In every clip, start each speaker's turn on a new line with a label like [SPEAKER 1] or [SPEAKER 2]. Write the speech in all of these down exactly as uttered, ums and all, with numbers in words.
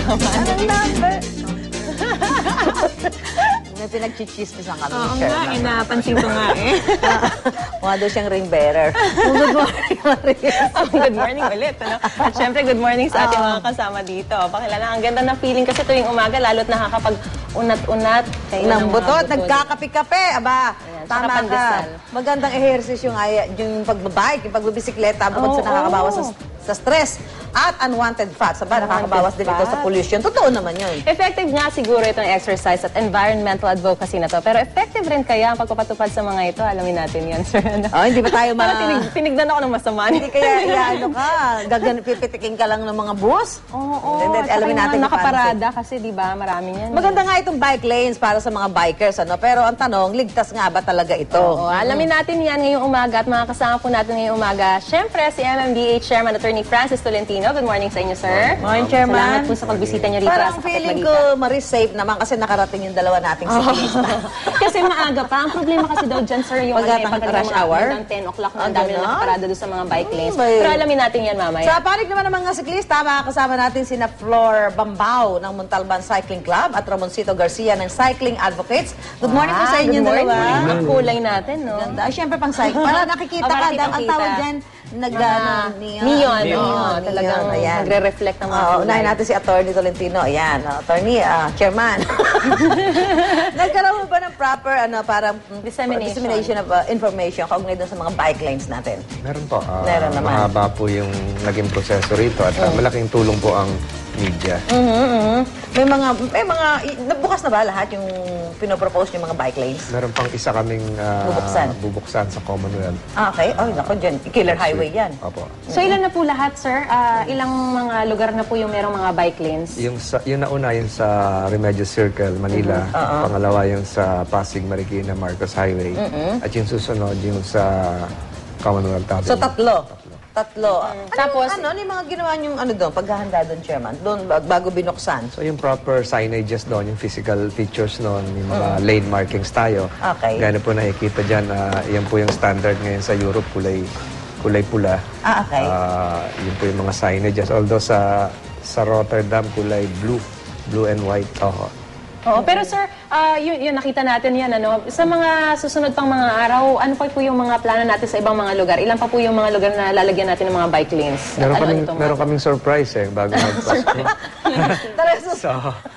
[SPEAKER 1] Anong number?
[SPEAKER 2] May pinag-chichismisan kami.
[SPEAKER 1] Oo nga, eh, napansin ko nga eh.
[SPEAKER 2] Mukha daw siyang ring bearer. Oh, good morning, Maris.
[SPEAKER 3] Oh, good morning ulit. Ano? At syempre, good morning sa ating mga kasama dito. Pakilala, ang ganda ng feeling kasi tuwing umaga, lalo't nakakapag-unat-unat.
[SPEAKER 2] Ng butot, nagkakape-kape. Aba,
[SPEAKER 3] Ayan,
[SPEAKER 2] tama
[SPEAKER 3] sarap
[SPEAKER 2] ka.
[SPEAKER 3] pandesal.
[SPEAKER 2] Magandang ehersisyo nga yung pagbabike, yung pagbibisikleta, bukod
[SPEAKER 3] Oo,
[SPEAKER 2] sa nakakabawas
[SPEAKER 3] oo.
[SPEAKER 2] sa, sa stress at unwanted fats. Aba, nakakabawas din ito sa pollution. Totoo naman yun.
[SPEAKER 3] Effective nga siguro itong exercise at environmental advocacy na to. Pero effective rin kaya ang pagpapatupad sa mga ito. Alamin natin yan, sir.
[SPEAKER 2] Oh, hindi ba tayo ma...
[SPEAKER 3] Parang tinig, tinignan ako ng masama.
[SPEAKER 2] Hindi kaya, iya, ano ka, gagan, pipitikin ka lang ng mga bus?
[SPEAKER 3] Oo, oo.
[SPEAKER 2] And then,
[SPEAKER 3] At saka
[SPEAKER 2] alamin
[SPEAKER 3] yung
[SPEAKER 2] natin
[SPEAKER 3] mga
[SPEAKER 2] kung paano
[SPEAKER 3] nakaparada kasi, di ba, marami yan.
[SPEAKER 2] Maganda nga itong bike lanes para sa mga bikers, ano? Pero ang tanong, ligtas nga ba talaga ito?
[SPEAKER 3] Oo, alamin natin yan ngayong umaga at mga kasama po natin ngayong umaga. Siyempre, si M M D A Chairman Attorney Francis Tolentino. Good morning sa inyo, sir.
[SPEAKER 2] Morning, Chairman.
[SPEAKER 3] Salamat po sa pagbisita niyo rito
[SPEAKER 2] Parang
[SPEAKER 3] sa
[SPEAKER 2] feeling
[SPEAKER 3] Kapitbalita.
[SPEAKER 2] ko, Maris, safe naman kasi nakarating yung dalawa nating siklista.
[SPEAKER 3] Kasi maaga pa. Ang problema kasi daw dyan, sir, yung
[SPEAKER 2] Pagka-
[SPEAKER 3] ano, eh, pagka
[SPEAKER 2] rush
[SPEAKER 3] mga
[SPEAKER 2] hour?
[SPEAKER 3] hanggang ten o'clock na
[SPEAKER 2] Ah,
[SPEAKER 3] ang dami na
[SPEAKER 2] ganon?
[SPEAKER 3] nakaparada doon sa mga bike lanes.
[SPEAKER 2] Mm, may-
[SPEAKER 3] Pero alamin natin yan mamaya.
[SPEAKER 2] Sa panig naman ng mga siklista, makakasama natin sina Flor Bambao ng Montalban Cycling Club at Ramoncito Garcia ng Cycling Advocates. Good morning po sa inyo
[SPEAKER 3] Good morning.
[SPEAKER 2] dalawa.
[SPEAKER 3] Ang kulay natin, no?
[SPEAKER 2] Ganda. Ay, syempre pang cycle. Para nakikita
[SPEAKER 3] Oh, para
[SPEAKER 2] ka, dahil ang
[SPEAKER 3] kitang-kita.
[SPEAKER 2] tawag dyan, nag,
[SPEAKER 3] Mga
[SPEAKER 2] ano,
[SPEAKER 3] neon.
[SPEAKER 2] neon.
[SPEAKER 3] Neon. Oo, talagang
[SPEAKER 2] ayan.
[SPEAKER 3] nagre-reflect ng mga
[SPEAKER 2] Oo,
[SPEAKER 3] kulay.
[SPEAKER 2] unahin natin si Attorney Tolentino. Ayan, uh, Attorney, ah, Chairman. Nagkaroon mo ba ng proper, ano, para
[SPEAKER 3] Dissemination.
[SPEAKER 2] dissemination of uh, information kaugnay doon sa mga bike lanes natin?
[SPEAKER 4] Meron po. Ah,
[SPEAKER 2] Meron naman.
[SPEAKER 4] Mahaba po yung naging proseso rito at ah, malaking tulong po ang media.
[SPEAKER 2] Mhm, mhm. May mga, may mga, i- nabukas na ba lahat yung pinopropose yung mga bike lanes?
[SPEAKER 4] Meron pang isa kaming ah,
[SPEAKER 2] Bubuksan.
[SPEAKER 4] bubuksan sa Commonwealth.
[SPEAKER 2] Ah, okay. Oh, naku, dyan. Killer highway yan.
[SPEAKER 4] Opo.
[SPEAKER 3] So ilan na po lahat, sir? Ah, ilang mga lugar na po yung merong mga bike lanes?
[SPEAKER 4] Yung, sa, yung nauna yung sa Remedios Circle, Manila. Pangalawa yung sa Pasig, Marikina, Marcos Highway. At yung susunod yung sa Commonwealth Avenue.
[SPEAKER 2] So, tatlo. Tatlo. Ano,
[SPEAKER 3] Tapos-
[SPEAKER 2] ano, ano yung mga ginawa niyong ano doon, paghahanda doon, Chairman? Doon, bag- bago binuksan.
[SPEAKER 4] So yung proper signages doon, yung physical features noon, yung mga lane markings tayo.
[SPEAKER 2] Okay.
[SPEAKER 4] Gano'n po nakikita dyan, ah, yan po yung standard ngayon sa Europe, kulay kulay pula.
[SPEAKER 2] Ah, okay.
[SPEAKER 4] Ah, yun po yung mga signages. Although sa sa Rotterdam, kulay blue. Blue and white. Oo.
[SPEAKER 3] Oo, pero sir, ah, yun, yun, nakita natin yan, ano? Sa mga susunod pang mga araw, ano pa po yung mga plano natin sa ibang mga lugar? Ilan pa po yung mga lugar na lalagyan natin ng mga bike lanes? At
[SPEAKER 4] Meron
[SPEAKER 3] ano
[SPEAKER 4] kaming,
[SPEAKER 3] itong
[SPEAKER 4] meron
[SPEAKER 3] mga-
[SPEAKER 4] kaming surprise eh, bago mag-Pasko.
[SPEAKER 2] Tara, so,
[SPEAKER 4] so,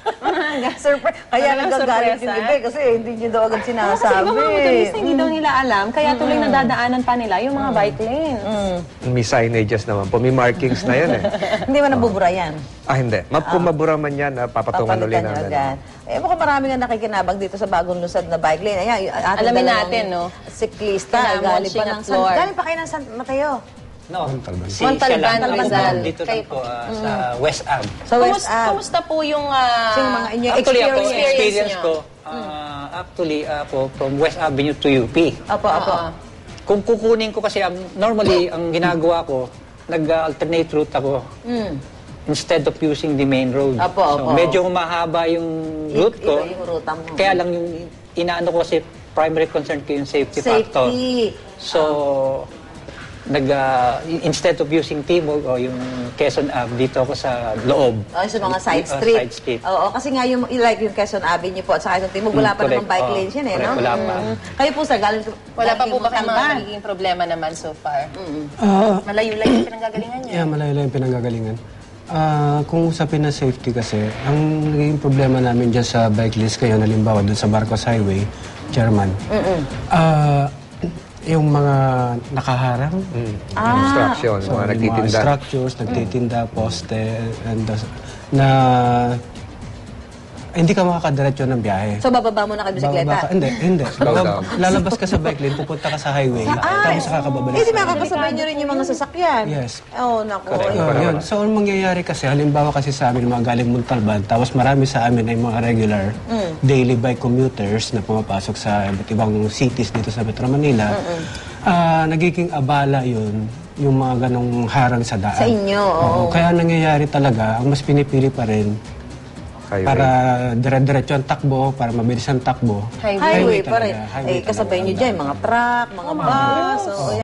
[SPEAKER 2] surprise. Kaya
[SPEAKER 3] Talagang
[SPEAKER 2] nagagalit
[SPEAKER 3] sorpresa.
[SPEAKER 2] yung iba eh, kasi hindi niyo daw agad
[SPEAKER 3] Oo, kasi
[SPEAKER 2] sinasabi.
[SPEAKER 3] ibang mga motorista hindi daw nila alam, kaya tuloy nadadaanan pa nila yung mga bike lanes.
[SPEAKER 4] may signages naman po. May markings na yun eh.
[SPEAKER 2] Hindi mo nabubura yan.
[SPEAKER 4] Ah, hindi. Ma kung mabura man yan, ah, papatungan ulit
[SPEAKER 2] Papalitan niyo
[SPEAKER 4] namin.
[SPEAKER 2] agad. Eh, mukhang marami nga nakikinabang dito sa bagong lusad na bike lane. Ayan, yung ating
[SPEAKER 3] Alamin
[SPEAKER 2] dalawang
[SPEAKER 3] natin, no?
[SPEAKER 2] Siklista.
[SPEAKER 3] Kina
[SPEAKER 2] Galing pa
[SPEAKER 3] Monching
[SPEAKER 2] ng
[SPEAKER 3] at
[SPEAKER 2] San...
[SPEAKER 3] Flor.
[SPEAKER 2] Galing pa kayo ng San Mateo.
[SPEAKER 5] No, si
[SPEAKER 3] Montalban,
[SPEAKER 5] siya lang.
[SPEAKER 3] Rizal.
[SPEAKER 5] Dito
[SPEAKER 3] Kay-
[SPEAKER 5] lang po ah, sa West Ave.
[SPEAKER 2] Sa West
[SPEAKER 3] Kumusta,
[SPEAKER 2] Ave.
[SPEAKER 3] kumusta po yung... ah,
[SPEAKER 2] So, yung mga inyong
[SPEAKER 5] Actually, ako,
[SPEAKER 2] experience.
[SPEAKER 5] experience
[SPEAKER 3] nyo.
[SPEAKER 5] ko, ah, actually, ah, po, from West Avenue to U P.
[SPEAKER 2] Opo, opo.
[SPEAKER 3] Oo.
[SPEAKER 5] Kung kukunin ko kasi, ang, normally, ang ginagawa ko, nag-alternate route ako.
[SPEAKER 2] Mm.
[SPEAKER 5] Instead of using the main road.
[SPEAKER 2] Opo,
[SPEAKER 5] so,
[SPEAKER 2] opo.
[SPEAKER 5] medyo humahaba yung route ko.
[SPEAKER 2] Iba yung ruta mo.
[SPEAKER 5] Kaya lang yung inaano ko kasi, primary concern ko yung safety, factor.
[SPEAKER 2] Safety.
[SPEAKER 5] So, nag, ah, instead of using Timog o yung Quezon Ave, dito ako sa loob.
[SPEAKER 2] Oh, sa mga side
[SPEAKER 5] Ah,
[SPEAKER 2] street.
[SPEAKER 5] side street.
[SPEAKER 2] Oo, kasi nga yung like yung Quezon Avenue po at saka yung Timog, wala
[SPEAKER 5] Mm,
[SPEAKER 2] pa namang
[SPEAKER 5] correct.
[SPEAKER 2] bike
[SPEAKER 5] Oo,
[SPEAKER 2] lanes yan eh,
[SPEAKER 5] correct,
[SPEAKER 2] no?
[SPEAKER 5] wala pa.
[SPEAKER 2] Mm. Kayo po sir, galing
[SPEAKER 3] Wala pa
[SPEAKER 2] galing
[SPEAKER 3] po ba kayong mga
[SPEAKER 2] Montalban.
[SPEAKER 3] nagiging problema naman so far?
[SPEAKER 6] Ah,
[SPEAKER 3] Malayo-layo yung pinanggagalingan niya.
[SPEAKER 6] yeah, malayo lang yung pinanggagalingan. Ah, kung usapin na safety kasi, ang naging problema namin dyan sa bike lanes kayo, halimbawa dun sa Marcos Highway, Chairman, ah, yung mga nakaharang,
[SPEAKER 4] Mm. Obstruction,
[SPEAKER 6] so,
[SPEAKER 4] mga
[SPEAKER 6] yung
[SPEAKER 4] nagtitinda.
[SPEAKER 6] structures, nagtitinda, poste, and the- na eh, hindi ka makakadiretso ng biyahe.
[SPEAKER 2] So bababa mo na kayo bisikleta?
[SPEAKER 6] Bababa ka- hindi, hindi.
[SPEAKER 4] Slow down.
[SPEAKER 6] Lalabas ka sa bike lane, pupunta ka sa highway, tapos kakababalik.
[SPEAKER 2] Eh, di
[SPEAKER 6] sa-
[SPEAKER 2] makakasabay nyo rin yung mga sasakyan.
[SPEAKER 6] Yes.
[SPEAKER 2] Oh, naku.
[SPEAKER 4] Correct.
[SPEAKER 6] Oh, yun. So, ang mangyayari kasi, halimbawa kasi sa amin, mga galing Montalban, tapos marami sa amin ay mga regular daily bike commuters na pumapasok sa iba't ibang cities dito sa Metro Manila. Ah, nagiging abala yun, yung mga ganong harang sa daan.
[SPEAKER 2] Sa inyo, oo.
[SPEAKER 6] Kaya nangyayari talaga, ang mas pinipili pa rin,
[SPEAKER 4] Highway.
[SPEAKER 6] para dire-diretso ang takbo, para mabilis ang takbo.
[SPEAKER 3] Highway.
[SPEAKER 2] Highway
[SPEAKER 6] Highway
[SPEAKER 2] pa rin.
[SPEAKER 6] talaga, highway
[SPEAKER 2] Eh, kasabay
[SPEAKER 6] talaga.
[SPEAKER 2] nyo dyan, mga truck, mga bus. So,